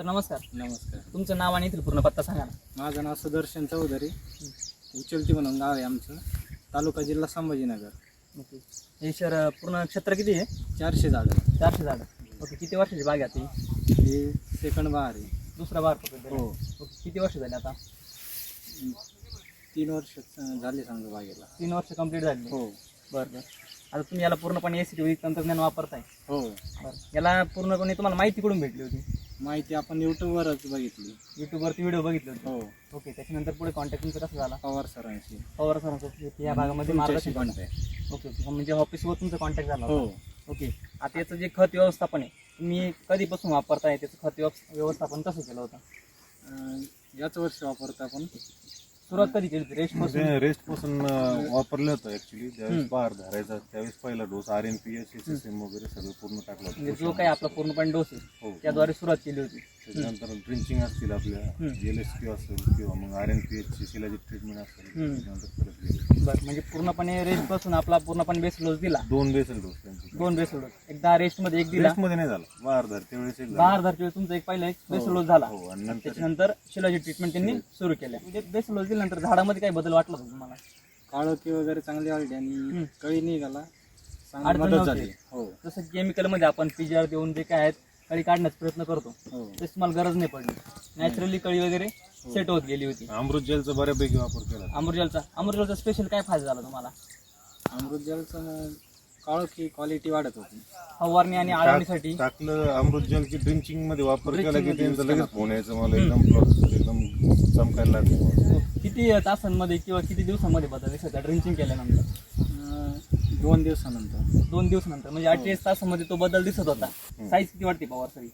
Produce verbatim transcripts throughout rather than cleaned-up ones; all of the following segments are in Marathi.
नमस्कार. नमस्कार. तुमचं नाव आणि इथलं पूर्ण पत्ता सांगा ना. माझं नाव सुदर्शन चौधरी, उचलती म्हणून गाव आहे आमचं, तालुका जिल्हा संभाजीनगर. ओके. हे शहर पूर्ण क्षेत्र किती आहे? चारशे झाडं. चारशे झाडं. ओके. किती वर्षाची बाग आहे आता ही? हे सेकंड बहार आहे. दुसरा बहार पकडतो. हो. ओके. किती वर्ष झाली आता? तीन वर्ष झाले समजा बागेला. तीन वर्ष कंप्लीट झाली. हो. बरं बरं. आता तुम्ही याला पूर्णपणे एसीटी तंत्रज्ञान वापरताय? हो. बरं. याला पूर्णपणे तुम्हाला माहिती कुठून भेटली होती? माहिती आपण यूट्यूबवरच बघितली. युट्यूबवरती व्हिडिओ बघितले होते? हो. ओके. त्याच्यानंतर पुढे कॉन्टॅक्ट तुमचा कसा झाला? पवार सरांशी. पवार सरांचं या भागामध्ये मार्गदर्शन कॉन्टॅक्ट. Okay okay. म्हणजे ऑफिसवर तुमचा कॉन्टॅक्ट झाला हो. होता? ओके. आता याचं जे खत व्यवस्थापन आहे तुम्ही कधीपासून वापरताय? त्याचं खत व्यवस्थापन कसं केलं होतं? अं, याच वर्षी वापरतो आपण. सुरुवात कधी केली होती? रेस्ट पासून? रेस्ट पासून वापरलं होतं ऍक्च्युली. ज्यावेळेस बहार धरायचा त्यावेळेस पहिला dose R N P S S S M वगैरे सगळं पूर्ण टाकलं म्हणजे होतं. जो काही आपला पूर्णपणे डोस आहे हो. त्याद्वारे सुरुवात केली होती. त्याच्यानंतर ड्रिंचिंग असतील आपल्या एल एस पी असेल किंवा मग आर एन पी एच ची शिलाजी ट्रीटमेंट असेल त्याच्यानंतर परत गेले. बरं. म्हणजे पूर्णपणे रेस्ट पासून आपला पूर्णपणे बेस डोस दिला? दोन बेसल डोस त्यांचे. दोन बेस डोस. एकदा रेस्ट मध्ये एक दिला? रेस्ट मध्ये नाही झाला, बहार धर त्यावेळेस एक झाला. बाहेर धरते तुमचा एक पहिला एक बेस डोस झाला. हो. आणि नंतर त्याच्यानंतर शिलाजी ट्रीटमेंट त्यांनी सुरू केल्या. म्हणजे बेस डोस दिल्यानंतर झाडामध्ये काही बदल वाटला होता तुम्हाला? काळोखी वगैरे चांगली आली आणि कळी निघाला, चांगली अडचण मदत नव्हती. झाली. हो. जसं केमिकल मध्ये आपण पीजीआर देऊन जे काय आहेत कळी काढण्याचा प्रयत्न करतो हो. तेच तुम्हाला गरज नाही पडली. नॅचरली कळी वगैरे सेट होत गेली होती. अमृत जेलचा बऱ्यापैकी वापर केला. अमृतजलचा अमृतजलचा स्पेशल काय फायदा झाला तुम्हाला? अमृत जलचं काळोखी क्वालिटी वाढत होती. फवारणी आणि आळवणीसाठी टाकलं अमृत जलची ड्रिंचिंग मध्ये वापर केला की त्यांचं लगेच फोन यायचं मला एकदम प्लॉट एकदम चमकायला लागलं. किती तासांमध्ये किंवा किती दिवसांमध्ये बदल दिसत ड्रिंचिंग केल्यानंतर? अं, दोन दिवसानंतर. दोन दिवसानंतर म्हणजे अठ्ठेचाळीस तासांमध्ये तो बदल दिसत होता. साईज किती वाटते पवार सरी?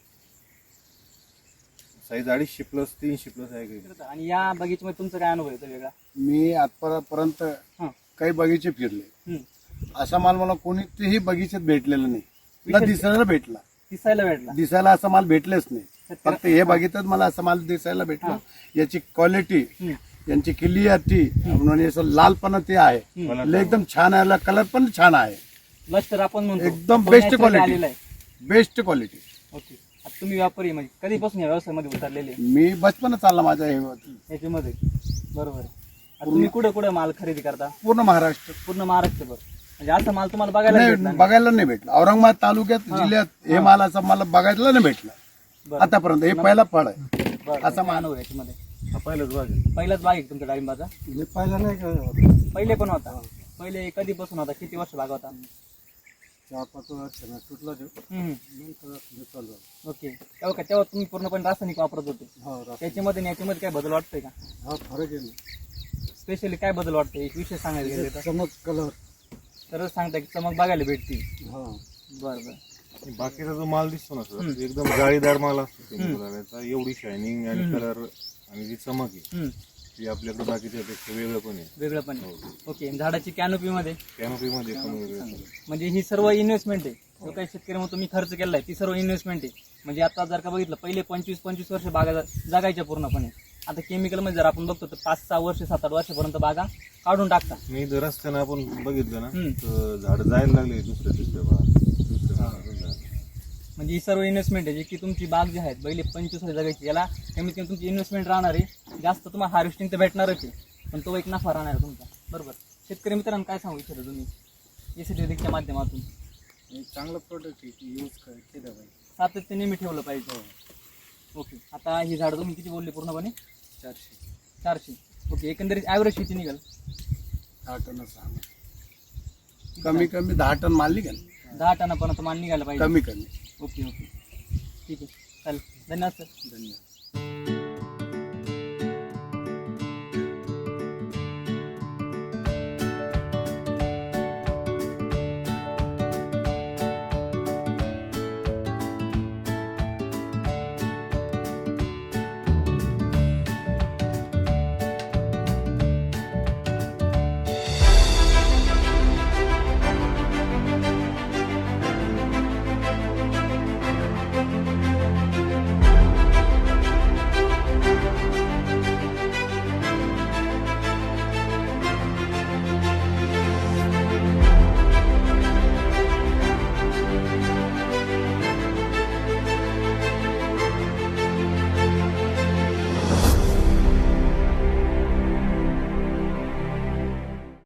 साईज अडीचशे प्लस तीनशे प्लस आहे काही. आणि या बगीच्यामध्ये तुमचा काय अनुभव येतो वेगळा? मी आजपर्यंत हा. काही बगीचे फिरले, हम्म. असा माल मला कोणीही बगीच्यात भेटलेला नाही. ना दिसायला भेटला. दिसायला भेटला? दिसायला असा माल भेटलेच नाही. फक्त हे बगीच्यात मला असा माल दिसायला भेटला. याची क्वालिटी, यांची क्लिअरिटी म्हणून असं लालपणा ते आहे. लय एकदम छान आहे. कलर पण छान आहे. लष्कर आपण म्हणतो एकदम तो बेस्ट naturally क्वालिटी. आलेला आहे. Best quality. ओके. आता तुम्ही व्यापारी म्हणजे कधीपासून या व्यवसायामध्ये उतरलेले मी बचपन चालला माझ्या हे याच्यामध्ये? बरोबर आहे. आता तुम्ही कुठे कुठे माल खरेदी करता? पूर्ण महाराष्ट्र. पूर्ण महाराष्ट्रभर. म्हणजे असा माल तुम्हाला बघायला भेटला नाही, नाही? बघायला नाही भेटला. औरंगाबाद तालुक्यात जिल्ह्यात हे माल असा मला बघायला नाही भेटला बरं. आतापर्यंत. हे पहिला फळ आहे. बरं. असा काय अनुभव आहे याच्यामध्ये? हा पहिलाच भाग आहे. पहिलाच बाग आहे का तुमच्या डाळिंबाचा? पहिला नाही पहिले पण होता? पहिले कधीपासून होता? किती वर्ष बाग होता? चार पाच वर्ष तुटला हम्म. ओके. तेव्हा का तेव्हा तुम्ही पूर्णपणे रासायनिक वापरत होते? त्याच्यामध्ये आणि याच्यामध्ये काय बदल वाटतोय का? हा फरक आहे. स्पेशली काय बदल वाटतोय एक विषय सांगायला गेले तर? चमक कलर. तर सांगता की चमक बघायला भेटते. हा. बरं बरं. बाकीचा जो माल दिसतो ना सर एकदम जाळीदार माल असतो त्याचा. एवढी शायनिंग आणि कलर आणि जी चमक आहे हम्म. ती आपल्याकडे बाकीच्या पेक्षा वेगळं पण आहे. वेगळं पण आहे. ओके. झाडाची कॅनोपी मध्ये कॅनोपी मध्ये पण वेगळं आहे. म्हणजे ही सर्व इन्व्हेस्टमेंट आहे. जो काही शेतकरी म्हणून तुम्ही खर्च केलाय ती सर्व इन्व्हेस्टमेंट आहे. म्हणजे आता जर का बघितलं पहिले पंचवीस पंचवीस वर्ष बागा जगायच्या पूर्णपणे. आता केमिकल मध्ये जर आपण बघतो तर पाच सहा वर्ष सात आठ वर्षापर्यंत बागा काढून टाकतात. मी जर रस्त्यानं आपण बघितलं ना हम्म. तर झाड जायला लागले दुसऱ्या तिसऱ्या भागात. दुसऱ्या भागात झाड. म्हणजे ही सर्व इन्व्हेस्टमेंट आहे जी की तुमची बाग जी आहे पहिले पंचवीस वर्ष जगायची याला कमीत कमी तुमची इन्व्हेस्टमेंट राहणार आहे. जास्त तुम्हाला हार्वेस्टिंग तर भेटणारच आहे पण तो एक नफा राहणार आहे तुमचा. बरोबर. शेतकरी मित्रांनो काय सांगू इच्छिता तुम्ही एसीटीच्या माध्यमातून? हे चांगलं प्रोडक्ट आहे, यूज केलं पाहिजे. सातत्य नेहमी ठेवलं पाहिजे. ओके. आता ही झाडं तुम्ही किती बोलले पूर्णपणे? चारशे. चारशे. ओके. एकंदरीत ॲव्हरेज किती निघाल? दहा टन कमी कमी दहा टन माल निघाल. दहा टनापर्यंत माल निघायला पाहिजे. कमी कमी. Okay okay. ठीक आहे. चालेल. धन्यवाद सर. धन्यवाद.